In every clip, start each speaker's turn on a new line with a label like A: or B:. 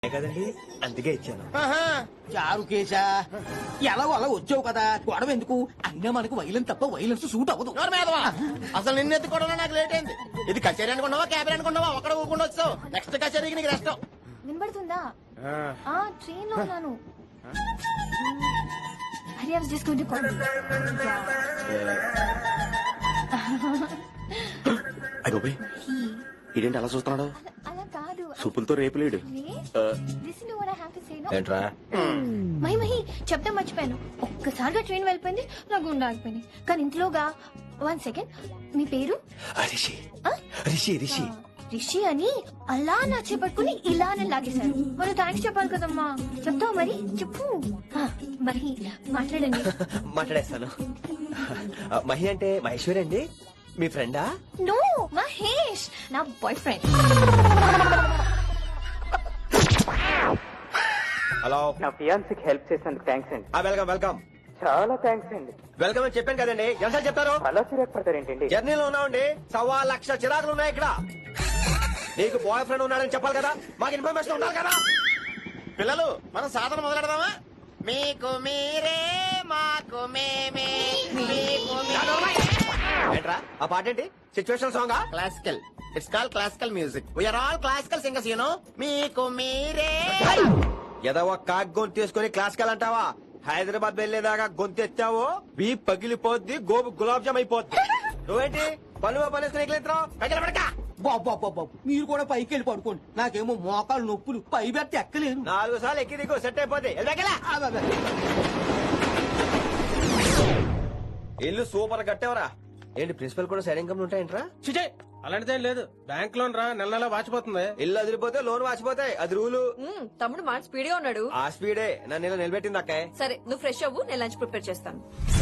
A: కదండి అందుకే ఇచ్చాను.
B: చారు కేశా ఎలా అలా వచ్చావు కదా గొడవ ఎందుకు? అయినా మనకు వైలెన్స్ తప్ప వైలెన్స్ సూట్ అవ్వదు.
C: అసలు నిన్ను ఎత్తుకోవడంలో నాకు లేట్ అయింది. ఇది కచేరీ అనుకున్నావా క్యాబిన్ అనుకున్నావా? ఒక్కడ ఊకుండా వచ్చావు. నెక్స్ట్ కచేరీకి నీకు రెస్ట్.
D: వినబడుతుందా? ట్రైన్ లో ఉన్నాను. Hari, I was just going to call you.
A: అయ్యో ఇదేంటి అలా చూస్తున్నాడు?
D: అలా కాదు.
A: సూపులతో రేపులేడు.
D: Listen to what I have to say, no?
A: ఏంట్రా?
D: మహి చెప్తా మర్చిపోయాను. ఒక్కసారిగా ట్రైన్ వెళ్ళిపోయింది, నా గుండె ఆగిపోయింది. కానీ ఇంట్లోగా 1 సెకండ్, మీ పేరు?
A: రిషి.
D: ఆ?
A: రిషి రిషి
D: రిషి అని అలా నా చేపట్టుకుని ఇలానే లాగేశారు. మరి థ్యాంక్స్ చెప్పాలి కదమ్మా. చెప్తావు మరి? చెప్పు. మరి మాట్లాడండి.
A: మాట్లాడేస్తాను. మహి అంటే మహేశ్వరి అండి, మీ ఫ్రెండా?
D: నో, మహేష్ నా బాయ్ ఫ్రెండ్.
A: హలో,
E: నా ఫియాన్సీకి హెల్ప్ చేసినందుకు థ్యాంక్స్ అండి.
A: Welcome welcome.
E: చాలా థ్యాంక్స్ అండి.
A: వెల్కమ్ అని చెప్పాను కదండి, ఎంత చెప్తారు?
E: అలా చిరాకు పడతారేంటండి?
A: జర్నీలో ఉన్నామండి, 1,00,000 చిరాకులు ఉన్నాయి ఇక్కడ. నీకు బాయ్ ఫ్రెండ్ ఉన్నాడని చెప్పాలి కదా, మాకు ఇన్ఫర్మేషన్ ఉండాలి కదా.
C: పిల్లలు మనం సాధన మొదలెడదామా? మీకు మీరే మాకు మేమే మీకు
A: ఏంట్రా ఆ పాట ఏంటి? Situation song?
C: Classical. It's call classical music. We are all classical singers you know. మీకు మీరే
A: ఏదో ఒక కాక్ గొంతు తీసుకుని క్లాసికల్ అంటావా? హైదరాబాద్ వెళ్లేదాకా గొంతు ఎత్తావో బీ పగిలిపోద్ది, గోబు గులాబ్ జామ్ అయిపోద్ది. నువ్వేంటి పనులు పనిస్తున్నావు?
B: బాబు మీరు కూడా పైకి వెళ్ళి పడుకోండి. నాకేమో మోకాలు నొప్పులు, పై బెత్త ఎక్కలేను.
A: 4 సార్లు ఎక్కి దిగు సెట్ అయిపోద్ది. ఇల్లు సూపర్ కట్టేవరా. ఏంటి ప్రిన్సిపల్ కూడా సైడ్ ఇన్కమ్ ఉంటాయంట్రా?
F: చిచే అలాంటిదేం లేదు. బ్యాంక్ లోన్ రా నెల నెలా వాచిపోతుంది.
A: ఇల్లు అదిరిపోతే లోన్ వాచిపోతాయి, అది రూలు.
G: తమ్ముడు మాట స్పీడ్ గా ఉన్నాడు.
A: ఆ స్పీడే నన్ను ఇలా నిలబెట్టింది అక్కాయ్.
G: సరే నువ్వు ఫ్రెష్ అవ్వు, నేను లంచ్ ప్రిపేర్ చేస్తాను.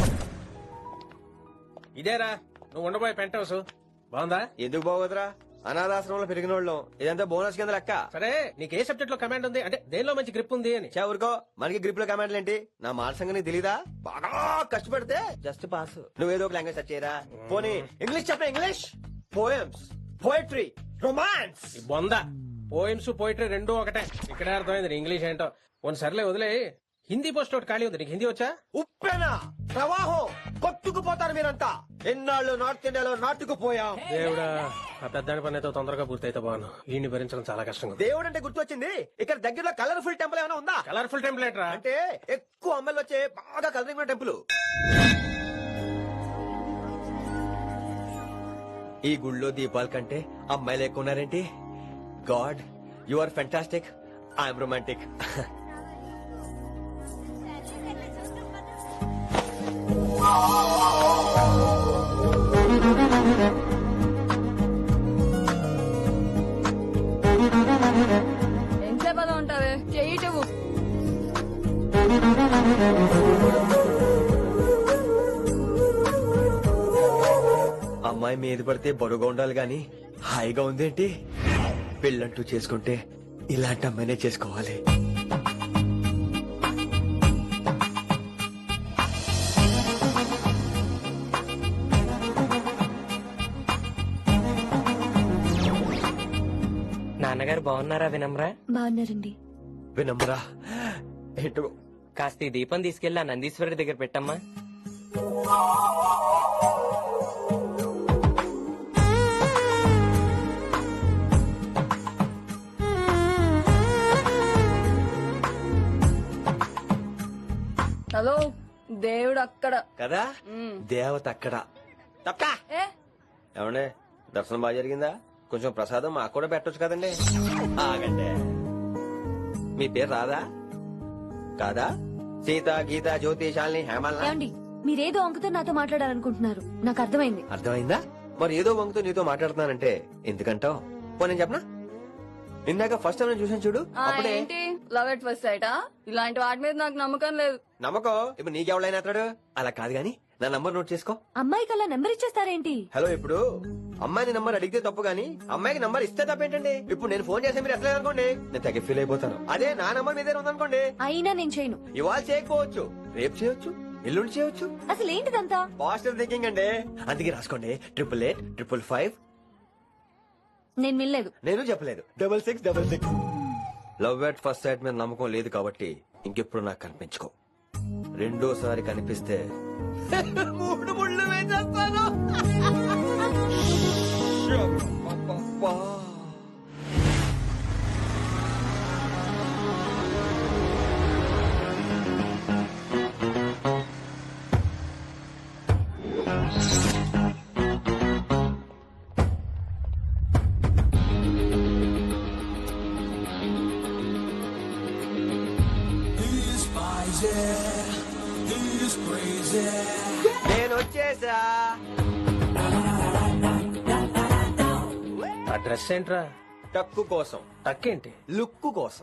F: ఇదేరా నువ్వు ఉండబోయే పెంట్ హౌస్. బాగుందా?
A: ఎందుకు బాగోదురా, అనాథాశ్రమంలో పెరిగిన వాళ్ళం. ఇదంతా బోనస్ కింద లెక్క.
F: సరే నీకు ఏ సబ్జెక్ట్ లో కమాండ్ ఉంది, అంటే దేనిలో మంచి గ్రిప్ ఉంది అని.
A: ఊరుకో, మనకి గ్రిప్ లో కమాండ్లు ఏంటి? నా మాట సంగతి తెలీదా? బాగా కష్టపడితే జస్ట్ పాస్. నువ్వేదో ఒక లాంగ్వేజ్ సెర్చ్ చేయరా. పోనీ ఇంగ్లీష్ చెప్ప. English poems, poetry, romance.
F: ఈ బొంద పోయిమ్స్ పోయిటరీ రెండూ ఒకటే. ఇక్కడే అర్థమైంది ఇంగ్లీష్ ఏంటో. కొన్ని సర్లే వదిలే. హిందీ పోస్ట్ ఒకటి ఖాళీ ఉంది, నీకు హిందీ వచ్చా?
A: ఉప్పెనా ప్రవాహం కొట్టుకుపోతారు మీరంతా. ఎన్నాళ్ళు నార్త్ ఇండియాలో నాటుకుపోయాం.
F: దేవుడా, ఆ పెద్దాడి పని అయితే తొందరగా పూర్తయితే బాను. వీడిని భరించడం చాలా కష్టంగా ఉంది.
A: దేవుడు అంటే గుర్తొచ్చింది, ఇక్కడ దగ్గరలో కలర్ఫుల్ టెంపుల్ ఏమైనా ఉందా?
F: కలర్ఫుల్ టెంప్లెట్ రా.
A: అంటే ఎక్కువ అమ్మాయిలు వచ్చే బాగా కలరింగ్ ఉన్న టెంపుల్. ఈ గుళ్ళో దీపాల కంటే అమ్మాయిలు ఎక్కువ ఉన్నారేంటి? God, you are fantastic, I'm romantic.
G: ఎంతసేపు అలా ఉంటావే? చెయ్యటవు.
A: అమ్మాయి మీద పడితే బరువుగా ఉండాలి గాని హాయిగా ఉందేంటి? పెళ్ళంటూ చేసుకుంటే ఇలాంటి అమ్మాయినే చేసుకోవాలి.
H: నాన్నగారు బాగున్నారా వినమ్రా?
D: బాగున్నారండి.
A: వినమ్రా ఏంటో.
H: కాస్త ఈ దీపం తీసుకెళ్లి ఆ నందీశ్వరుడి దగ్గర పెట్టమ్మా.
G: హలో, దేవుడు అక్కడ
A: కదా, దేవత అక్కడ. తప్పా
G: ఏ
A: ఏమండే, దర్శనం బాగా జరిగిందా? కొంచెం ప్రసాదం మాకు కూడా పెట్టొచ్చు కదండి. ఆగండి, మీ పేరు రాదా? కాదా? సీత, గీత, జ్యోతి, శాలిని, హేమల్.
D: ఏమండి, మీరేదో అంకుతో నాతో మాట్లాడాలనుకుంటున్నారు, నాకు అర్థమైంది.
A: అర్థమైందా? మరి ఏదో వంగుతో నీతో మాట్లాడుతున్నానంటే ఎందుకంటావు? నేను చెప్పనా? ఇందాక ఫస్ట్ టైం చూసాను చూడు, అప్పుడే.
G: ఏంటి లవ్ ఎట్ ఫస్ట్ సైటా? ఇలాంటి వాటి మీద నాకు నమ్మకం లేదు.
A: నమ్మకం ఇప్పుడు నీకెవడైనా అతడు? అలా కాదు గాని నా నంబర్ నోట్ చేసుకో.
D: అమ్మాయికి అలా నెంబర్ ఇచ్చేస్తారేంటి?
A: హలో, ఇప్పుడు అమ్మాయిని నంబర్ అడిగితే తప్పు గానీ అమ్మాయికి నంబర్ ఇస్తే తప్పేంటండి? ఇప్పుడు నేను ఫోన్ చేస్తే మీరు ఎట్లా అనుకోండి, నేను తగ్గ ఫీల్ అయిపోతాను. అదే నా నంబర్ మీ దగ్గర ఉందనుకోండి,
D: అయినా నేను చేయను.
A: ఇవాళ చేయకపోవచ్చు, రేపు చేయొచ్చు, ఎల్లుండి చేయొచ్చు.
D: అసలు ఏంటిదంతా?
A: పాజిటివ్ థింకింగ్ అండి. అందుకే రాసుకోండి 888 555.
D: నేను వినలేదు.
A: నేను చెప్పలేదు 6666. లవ్ ఎట్ ఫస్ట్ సైట్ మీద నమ్మకం లేదు కాబట్టి ఇంకెప్పుడు నాకు కనిపించుకో. రెండోసారి కనిపిస్తే 3 ముళ్ళు వేసేస్తాను. అబ్బబ్బబ్బా. నేను వచ్చేసా.
F: ఆ డ్రెస్ ఏంట్రా?
A: టక్కు కోసం,
F: తక్కేంటి?
A: లుక్కు కోసం.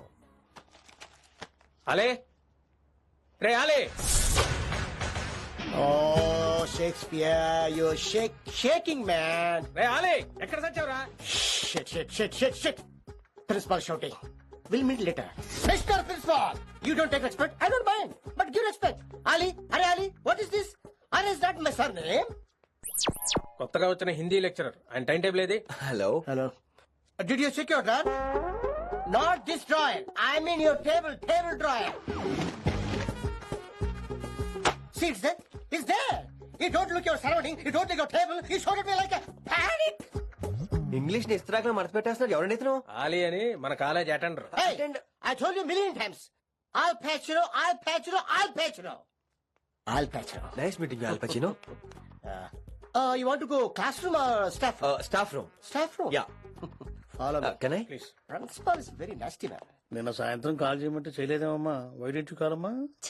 F: అలే రే Ali.
C: Oh Shakespeare you shaking man.
F: రే అలే ఎక్కడ సచ్చావురా?
C: Shit principal shouting will meet later. Mister principal you don't take respect, I don't mind but give respect. Ali, అరే Ali, what is this? Are is that my surname?
F: కొత్తగా వచ్చిన Hindi lecturer. ఆయన time table ఏది?
A: Hello.
C: Hello. Did you check your drawer? Not this drawer. I mean your table drawer. See, it's there. It's there. You don't look your surrounding. You don't look your table. You showed at me like a panic.
A: English ని ఇస్త్రాక్ మడత పెట్టేస్తున్నాడు. ఎవరండి ఇతను?
F: ఆలీ అని మన college attender.
C: Hey, I told you a million times. I'll patch you. I'll patch you. I'll patch you. I'll patch you.
A: Nice meeting you Al Pacino.
C: You want to go classroom or staff room?
A: Staff room.
C: Staff room.
A: Yeah.
C: Follow me.
A: Can I?
F: Please.
C: Principal is very nasty man.
I: నిన్న సాయంత్రం call చేయమంటే చేయలేదేమమ్మా? Why didn't కాలమ్మా?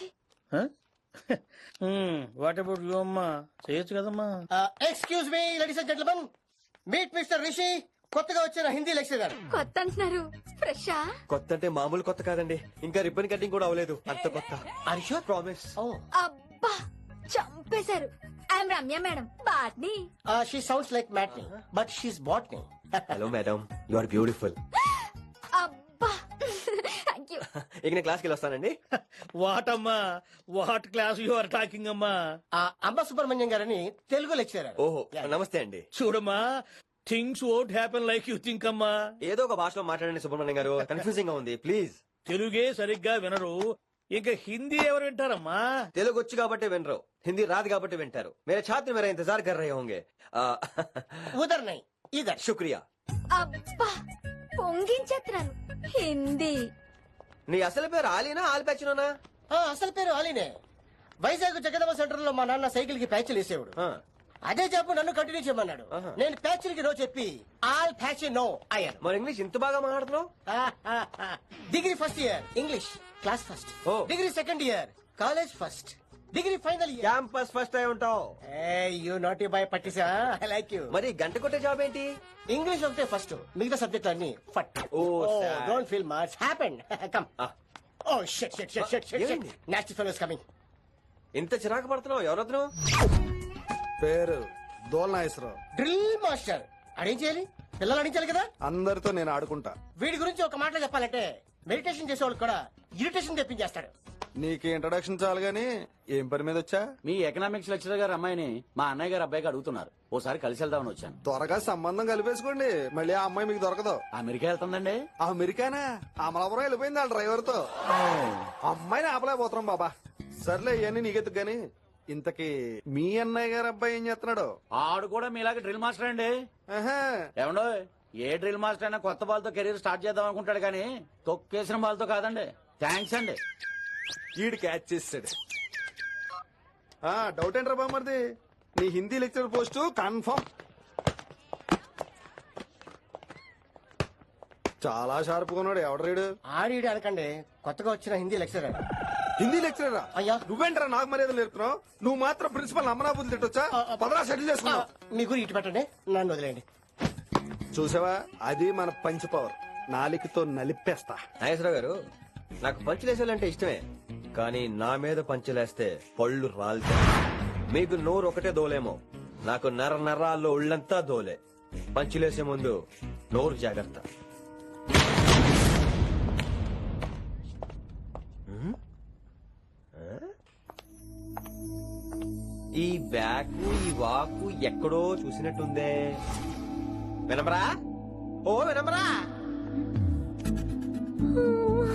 I: What about you అమ్మా? చేయొచ్చు కదమ్మా?
C: Excuse me, ladies and gentlemen. Meet Mr. Rishi. కొత్తగా వచ్చిన హిందీ లెక్చరర్.
D: కొత్త అంటున్నారు, ఫ్రెషా?
A: కొత్త అంటే మామూలు కొత్త కాదండి, ఇంకా రిబ్బన్ కటింగ్ కూడా అవ్వలేదు, అంత కొత్త.
C: Are you sure?
A: Promise.
C: Oh.
D: అబ్బా చంపేశారు. I'm Ramya madam, botany.
C: She sounds like Matney, but she's botany.
A: Hello madam, you are beautiful.
D: అబ్బా థ్యాంక్ యూ.
A: ఇక నేను క్లాస్కి వెళ్ళొస్తానండి.
I: వాట్ అమ్మా? What class you are talking అమ్మా?
C: అంబ సుబ్రహ్మణ్యం గారని తెలుగు లెక్చరర్.
A: ఓహో నమస్తే అండి.
I: చూడమ్మా, things won't happen like you think అమ్మా.
A: ఏదో ఒక భాషలో మాట్లాడండి సుబ్రహ్మణ్యం గారు, కన్ఫ్యూజింగ్ గా ఉంది ప్లీజ్.
I: తెలుగే సరిగ్గా వినరు, ఇంకా హిందీ ఎవరు వింటారమ్మా?
A: తెలుగు వచ్చు కాబట్టి వినరు, హిందీ రాదు కాబట్టి వింటారు. మేరే ఛాత్ర మేరా ఇంతజార్ కర్ రహే హోంగే.
C: ఉదర్ నై ఇదర్.
A: శుక్రియా.
D: అబ్బా పొంగించేస్తున్నాను. హిందీ.
A: నీ అసలు పేరు ఆలీనా ఆల్పచ్చినోనా?
C: అసలు పేరు ఆలీనే. వైజాగ్ జగదమ్మ సెంటర్ లో మా నాన్న సైకిల్ కి ప్యాచ్లు వేసేవాడు. అదే చెప్పు నన్ను కంటిన్యూ చేయమన్నాడు. నేను ప్యాచ్లకి నో చెప్పి ఆల్ ప్యాచ్ నో అయ్యాను.
A: మరి ఇంగ్లీష్ ఇంత బాగా మాట్లాడుతున్నావు?
C: Degree first year English class first.
A: Oh.
C: Degree second year college first. Degree final year
A: campus first అయి ఉంటావు.
C: యూ నాటీ బాయ్ పట్టిసా. I like you.
A: మరి గంట కొట్టే జాబ్ ఏంటి?
C: ఇంగ్లీష్ ఒకటే ఫస్ట్, మిగతా సబ్జెక్ట్ అన్ని ఫట్.
A: sad.
C: Don't feel much happen. Come. Oh shit shit shit shit shit.
A: ఏమైంది?
C: Nasty fellows coming.
A: ఇంత చిరాకు పడుతున్నావు, ఎవరొద్దు?
J: పేరు దోల్నాగేశ్వరరావు.
C: Drill master. అడేం చేయాలి? పిల్లలు అడించాలి కదా.
J: అందరితో నేను ఆడుకుంటా.
C: వీడి గురించి ఒక మాటలో చెప్పాలంటే మెడిటేషన్ చేసేవాళ్ళు కూడా ఇరిటేషన్ తెప్పించేస్తాడు.
J: నీకు ఇంట్రడక్షన్ చాలు గానీ ఏం పని మీద వచ్చా?
K: మీ ఎకనామిక్స్ లెక్చరర్ గారు అమ్మాయిని మా అన్నయ్య గారు అబ్బాయికి అడుగుతున్నారు, ఓసారి కలిసి వెళ్దామని వచ్చాను.
J: త్వరగా సంబంధం కలిపేసుకోండి, మళ్ళీ ఆ అమ్మాయి మీకు దొరకదు.
K: అమెరికా వెళ్తుందండి.
J: అమెరికానా? అమలాపురం వెళ్ళిపోయింది వాళ్ళ డ్రైవర్ తో. అమ్మాయిని ఆపలేకపోతున్నాం బాబా. సర్లే ఇవన్నీ నీకెత్తుకు గాని, ఇంతకీ మీ అన్నయ్య గారు అబ్బాయి ఏం చేస్తున్నాడు?
K: ఆడు కూడా మీలాగే డ్రిల్ మాస్టర్ అండి. ఏమండో, ఏ డ్రిల్ మాస్టర్ అయినా కొత్త బాల్తో కెరీర్ స్టార్ట్ చేద్దాం అనుకుంటాడు కానీ తొక్కేసిన బాల్తో కాదండి. థ్యాంక్స్ అండి.
J: ఈడు క్యాచ్ చేస్తాడు. డౌట్ ఏంట్రా బామ్మర్ది, నీ హిందీ లెక్చరర్ పోస్టు కన్ఫర్మ్. చాలా షార్ప్ కొన్నాడు. ఎవడరీడు?
C: ఆడీడు అనకండి, కొత్తగా వచ్చిన హిందీ లెక్చరర్.
J: హిందీ లెక్చరరా?
C: అయ్యా
J: నువ్వేంటరా నాకు మర్యాద నేర్పుతున్నావు? నువ్వు మాత్రం ప్రిన్సిపల్ అమ్మనాబుద్ధి తిట్టొచ్చా? పదరా సెటిల్ చేసుకున్నావు.
C: మీ గురి ఇటు పెట్టండి, నన్ను వదిలేయండి.
J: చూసావా, అది మన పంచ్ పవర్. నాలికతో నలిపేస్తా.
A: నాగేశ్వరరావు గారు, నాకు పంచులేసాలంటే ఇష్టమే, కానీ నా మీద పంచులేస్తే పళ్ళు రాలితే. మీకు నోరు ఒకటే దోలేమో, నాకు నరాల్లో ఉళ్ళంతా దోలే. పంచులేసే ముందు నోరు జాగ్రత్త. ఈ బ్యాకు ఈ వాకు ఎక్కడో చూసినట్టుందే. వినమరా? ఓ వినమరా?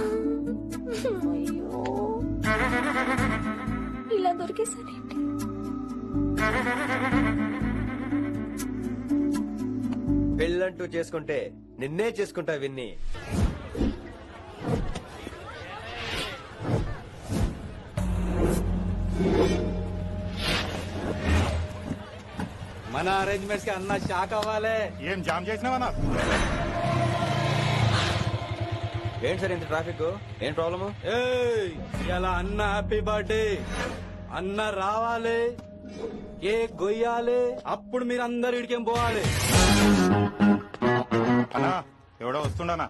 D: ఇలా దొరికేసానేంటి?
A: పెళ్ళంటూ చేసుకుంటే నిన్నే చేసుకుంటా విన్ని.
K: మన అరేంజ్మెంట్స్ కి అన్న షాక్ అవ్వాలి.
J: ఏం జామ్ చేసినావా?
A: ఏంటి సార్ ఇంత ట్రాఫిక్? ఏం ప్రాబ్లము?
K: ఇలా అన్న హ్యాపీ బర్త్డే, అన్న రావాలి, కేక్ గొయ్యాలి, అప్పుడు మీరు అందరు ఇడికేం పోవాలి.
J: అన్నా ఎవడో వస్తుండనా?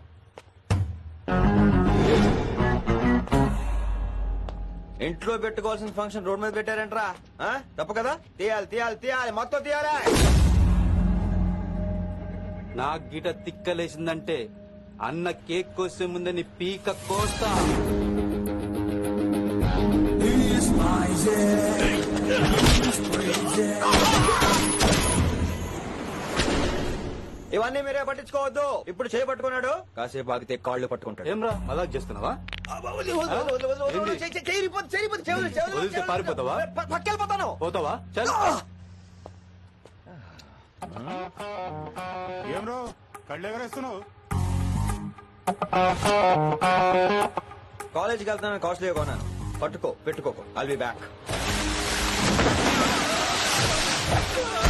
A: ఇంట్లో పెట్టుకోవాల్సిన ఫంక్షన్ రోడ్ మీద పెట్టారంట్రా. తప్పు కదా? తీయాలి తీయాలి తీయాలి, మొత్తం తీయాలి.
K: నాకు గిట తిక్కలేసిందంటే అన్న కేక్ కోసే ముందే నీ పీక కోస్తా.
A: ఇవన్నీ మీరే పట్టించుకోవద్దు. ఇప్పుడు చేపట్టుకున్నాడు, కాసేపు ఆగితే కాళ్ళు పట్టుకుంటాడు.
K: ఏమ్రా మజాక్ చేస్తున్నావా? వదిలితే పారిపోతావా?
A: పక్కెళ్ళిపోతాను.
K: పోతావా? చల్.
J: ఏం రో కళ్ళు ఎగరేస్తున్నావు?
A: కాలేజీకి వెళ్తాను, కాస్ట్లీ కొన్నాను. పట్టుకో, పెట్టుకోకు. I'll be back.